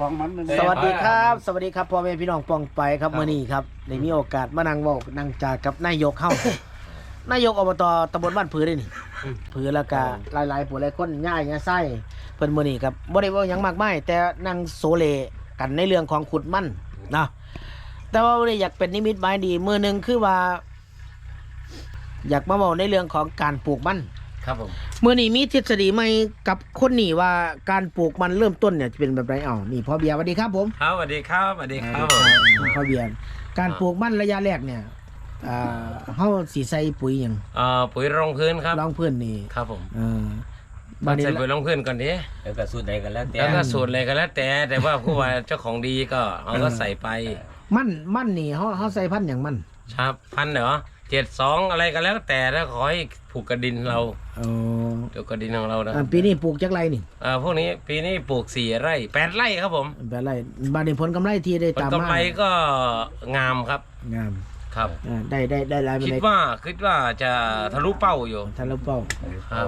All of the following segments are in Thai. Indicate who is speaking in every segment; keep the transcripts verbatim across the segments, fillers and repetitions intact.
Speaker 1: ของมัน
Speaker 2: สวัสดีครับสวัสดีครับพ่อแม่พี่น้องปองไปครับมื้อนี้ครับได้มีโอกาสมานั่งเว้านั่งจากับนายกเฮานายกอบตตำบลบ้านผือได้นี่ผือแล้วก็หลายๆผู้หลายคนย่ายย่าไส้เพิ่นมื้อนี้ครับบ่ได้เว้าหยังมากมายแต่นั่งโซเลกันในเรื่องของขุดมันนะแต่ว่าวันนี้อยากเป็นนิมิตหมายดีมื้อนึงคือว่า อยากมาเว้าในเรื่องของการปลูกมัน
Speaker 3: ครับผม
Speaker 2: มื้อนี้มีทฤษฎีใหม่กับคนนี่ว่าการปลูกมันเริ่มต้นเนี่ยจะเป็นแบบไรเอ้านี่พ่อเบียร์สวัสดีครับผม
Speaker 3: ครับสวัสดีครับสวัสดีครับ
Speaker 2: พ่อเบียร์การปลูกมันระยะแรกเนี่ยอ่าเฮาสิใส่ปุ๋ยหยัง
Speaker 3: เอ่อปุ๋ยรองพื้นครับ
Speaker 2: รองพื้นนี่
Speaker 3: ครับผม
Speaker 2: เออ
Speaker 3: บัดนี้ใส่ปุ๋ยรองพื้นก่อนดิ
Speaker 4: แล้วก็สูตรใดกันแล้วแต่
Speaker 3: แล้วก็สูตรอะไรก็แล้วแต่แต่ว่าผู้ว่าเจ้าของดีก็เขาก็ใส่ไป
Speaker 2: มันมันนี่เฮาเฮาใส่พันธุ์หยังมัน
Speaker 3: ครับพันเหรอเจ็ดสองอะไรก็แล้วแต่ถ้าขอให้ผูกกระดินเรา
Speaker 2: อ๋อ
Speaker 3: เดี๋ยวกระดินของเรานะ
Speaker 2: ปีนี้ปลูกจักไรนี่
Speaker 3: อ่าพวกนี้ปีนี้ปลูกสี่ไร่แปดไร่ครับผม
Speaker 2: แปดไร่บัดนี้ผลกำไรที่ได้ตามมา
Speaker 3: ผลกำไรก็งามครับ
Speaker 2: งาม
Speaker 3: ครับ
Speaker 2: ได้ได้ได้หลาย
Speaker 3: คิดว่าคิดว่าจะทะลุเป้าอยู่
Speaker 2: ทะลุเป้า
Speaker 3: ครับ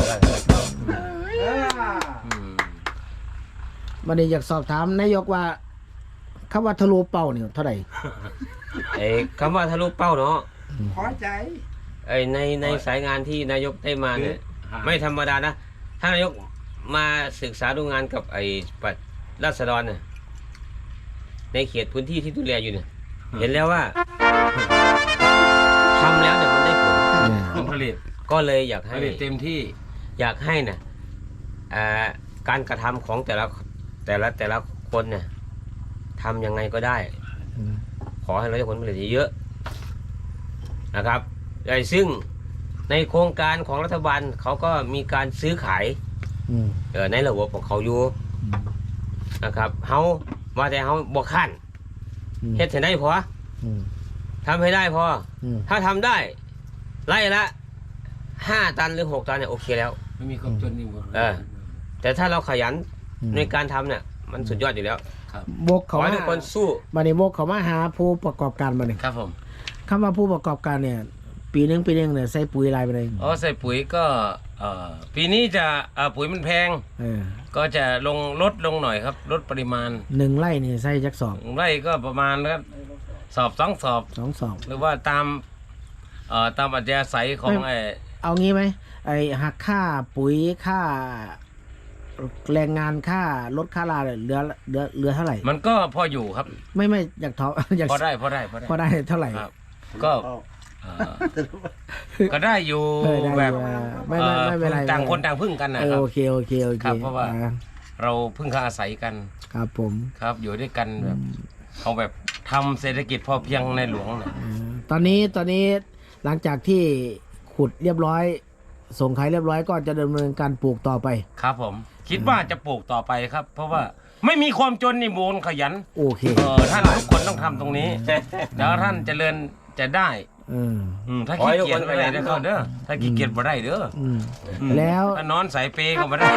Speaker 2: บัดนี้อยากสอบถามนายกว่าคำว่าทะลุเป้านี่เท่าไหร่
Speaker 4: ไอ้คำว่าทะลุเป้าเนาะ
Speaker 1: พอใจ
Speaker 4: ไอ้ในในสายงานที่นายกได้มาเนี่ยไม่ธรรมดานะถ้านายกมาศึกษาดูงานกับไอ้ปัดราษฎรเนี่ยในเขตพื้นที่ที่ดูแลอยู่เนี่ยเห็นแล้วว่าทำแล้วเนี่ยมันได้ผล
Speaker 3: ผลผลิต
Speaker 4: ก็เลยอยากให้
Speaker 3: เต็มที่
Speaker 4: อยากให้เนี่ยการกระทำของแต่ละแต่ละแต่ละคนเนี่ยทำยังไงก็ได้ขอให้เราได้ผลผลิตเยอะนะครับโดยซึ่งในโครงการของรัฐบาลเขาก็มีการซื้อขายในระบบของเขาอยู่นะครับเขาว่าแต่เขาบอกขั้นเฮ็ดให้ได้พอทำให้ได้พอถ้าทำได้ไล่ละห้าตันหรือหกตันเนี่ยโอเคแล้ว
Speaker 3: ไม่มีความจนนี่หมด
Speaker 4: เออแต่ถ้าเราขยันในการทำเนี่ยมันสุดยอดอยู่แล้ว
Speaker 2: บกเขา
Speaker 4: ทุกคนสู้
Speaker 2: มาในบกเขามาหาผู้ประกอบการมาหนึ่ง
Speaker 3: ครับผม
Speaker 2: คำว่าผู้ประกอบการเนี่ยปีนึงปีนึงเนี่ยใส่ปุ๋ยลายไปเลย
Speaker 3: อ๋อใส่ปุ๋ยก็เอ่อปีนี้จะเอ่อปุ๋ยมันแพงก็จะลงลดลงหน่อยครับลดปริมาณ
Speaker 2: หนึ่งไร่นี่ใส่จักสอบ
Speaker 3: ไร่ก็ประมาณครับสอบสองสอบ
Speaker 2: สองสอบ
Speaker 3: หรือว่าตามเอ่อตามอัธยาศัยของไอ้
Speaker 2: เอางี้ไหมไอ้หักค่าปุ๋ยค่าแรงงานค่ารถค่าลาเหลือเหลือเหลือเท่าไหร่
Speaker 3: มันก็พออยู่ครับ
Speaker 2: ไม่ไม่อยากท้ออยาก
Speaker 3: พอได้พอได้พอได้
Speaker 2: พอได้เท่าไหร่
Speaker 3: ก็ก็ได้อยู่แบบ
Speaker 2: ไม่ไม่ไม่เป็นไร
Speaker 3: ต่างคนต่างพึ่งกันนะครับ
Speaker 2: โอเคโอเคโอเค
Speaker 3: เพราะว่าเราพึ่งพาอาศัยกัน
Speaker 2: ครับผม
Speaker 3: ครับอยู่ด้วยกันแบบเอาแบบทำเศรษฐกิจพอเพียงในหลวงนะ
Speaker 2: ตอนนี้ตอนนี้หลังจากที่ขุดเรียบร้อยส่งขายเรียบร้อยก็จะดำเนินการปลูกต่อไป
Speaker 3: ครับผมคิดว่าจะปลูกต่อไปครับเพราะว่าไม่มีความจนนี่มูลขยัน
Speaker 2: โอเค
Speaker 3: เออท่านทุกคนต้องทำตรงนี้แล้วท่านเจริญจะได้ถ้าขี้เกียจไม่ได้เด้อเด้อถ้าขี้เกียจไม่ได้เด้อ
Speaker 2: แล้ว
Speaker 3: นอนสายเปย์ก็ไม่ได้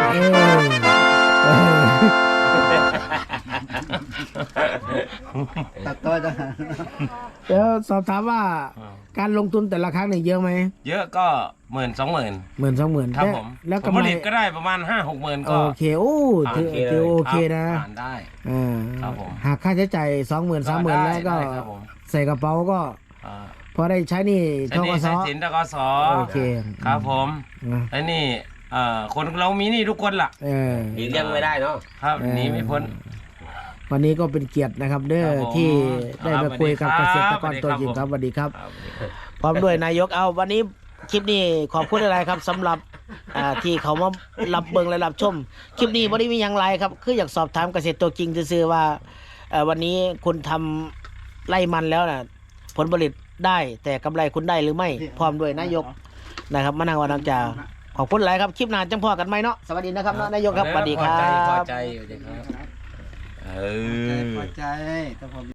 Speaker 1: ตัดต่อจ้ะ
Speaker 2: เดี๋ยวสอบถามว่าการลงทุนแต่ละครั้งเนี่ยเยอะไหม
Speaker 3: เยอะก็หมื่นสองหมื่น
Speaker 2: หมื่นสองหมื่น
Speaker 3: ครับผมแล้วผลผลิตก็ได้ประมาณห้าหกหมื่นก็
Speaker 2: โอเคโอ้ถือโอเคนะ
Speaker 3: ผ่านได้
Speaker 2: ครับผมหากค่าใช้จ่ายสองหมื่นสามหมื่นแล้วก็ใส่กระเป๋าก็พอได้ใช้นี่
Speaker 3: ทกสสินทกส
Speaker 2: โอเค
Speaker 3: ครับผมไอ้นี่คนเรามีนี่ทุกคนล่ะ
Speaker 4: หนีเลี่ยงไม่ได้เนาะ
Speaker 3: ครับหนีไม่พ้น
Speaker 2: วันนี้ก็เป็นเกียรตินะครับเด้อที่ได้มาคุยกับเกษตรกรตัวจริงครับสวัสดีครับพร้อมด้วยนายกเอาวันนี้คลิปนี้ขอบคุณอะไรครับสำหรับที่เขามารับเบิ่งและรับชมคลิปนี้บ่ได้มีอย่างไรครับคืออยากสอบถามเกษตรตัวจริงซื่อๆว่าวันนี้คุณทำไร่มันแล้วนะผลผลิตได้แต่กำไรคุณได้หรือไม่พร้อมด้วยนายกนะครับมานั่งวันนังจ่าขอบคุณหลายครับคลิปหน้าจังพ่อกันไหมเนาะสวัสดีนะครับนายกครับสวัสดีครับ
Speaker 3: พอใจพอใจพอใจเออ
Speaker 1: พอใจ